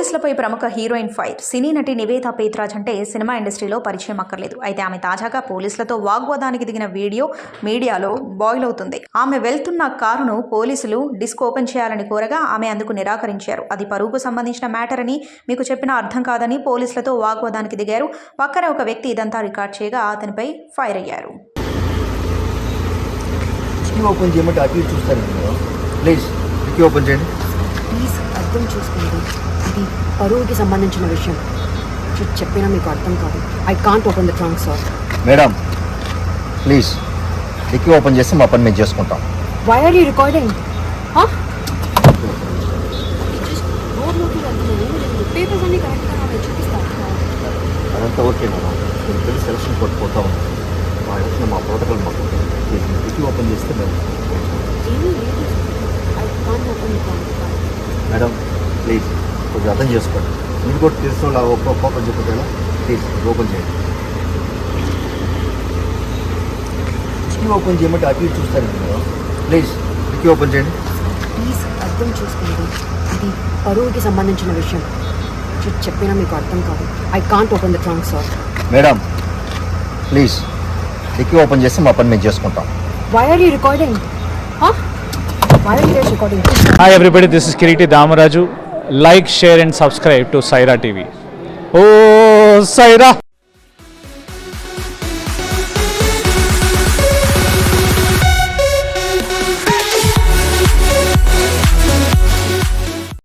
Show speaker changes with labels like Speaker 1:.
Speaker 1: పోలీసులపై ప్రముఖ heroine fire. సినీ నటి నివేదా పేత్రాజ్ అంటే సినిమా ఇండస్ట్రీలో పరిచయం అక్కర్లేదు. అయితే ఆమె తాజాగా పోలీసులతో వాగ్వాదానికి దిగిన వీడియో మీడియాలో బాయిల్ అవుతుంది. ఆమె వెళ్తున్న కారును పోలీసులు డిస్క్ ఓపెన్ చేయాలని కోరగా ఆమె అందుకు నిరాకరించారు. అది పరువుకు సంబంధించిన మ్యాటర్ అని, మీకు చెప్పినా అర్థం కాదని పోలీసులతో వాగ్వాదానికి దిగారు. పక్కన ఒక వ్యక్తి ఇదంతా రికార్డ్ చేయగా అతనిపై ఫైర్ అయ్యారు.
Speaker 2: ఓపెన్ చేయమంటే అటు చూస్తారు. ప్లీజ్ ఓపెన్ చేయండి.
Speaker 3: ప్లీజ్ అర్థం చేసుకోండి, ఇది పరువుకి సంబంధించిన విషయం. చెప్పినా మీకు అర్థం కాదు. I can't open the trunk sir.
Speaker 2: Madam please dickey open చేస్తే మా పని మేము చేసుకుంటాం.
Speaker 3: Why are you recording? Papers అన్ని కరెక్ట్గా చూపిస్తాను.
Speaker 2: అదంతా ఓకే మేడం. నేను తెలిసి సెలక్షన్ కొట్టుకుంటా ఉన్నాను. మా ఎలక్షన్ మా ప్రోటోకాల్ మాకు డిక్కీ ఓపెన్ చేస్తే మేము
Speaker 3: ఏమీ లేదు. I can't open the trunk.
Speaker 2: Madam please కొంచెం అర్థం చేసుకోండి. మీరు కూడా తెలుసు ఒక్కొక్క ఓపెన్ చెప్పేలా ప్లీజ్ ఓపెన్ చేయండి. డిక్కీ ఓపెన్ చేయమంటే అటు చూస్తారు. మేడం ప్లీజ్ డిక్కీ ఓపెన్ చేయండి.
Speaker 3: ప్లీజ్ అర్థం చేసుకోండి, ఇది పరువుకి సంబంధించిన విషయం. చెప్పినా మీకు అర్థం కాదు. I can't open the trunk sir.
Speaker 2: Madam please dickey open చేస్తే మా పని మేము చేసుకుంటాం.
Speaker 3: Why are you recording? Why are you guys recording?
Speaker 4: Hi everybody, this is Kiriti Damaraju. Like, share and subscribe to Saira TV. Oh, Saira!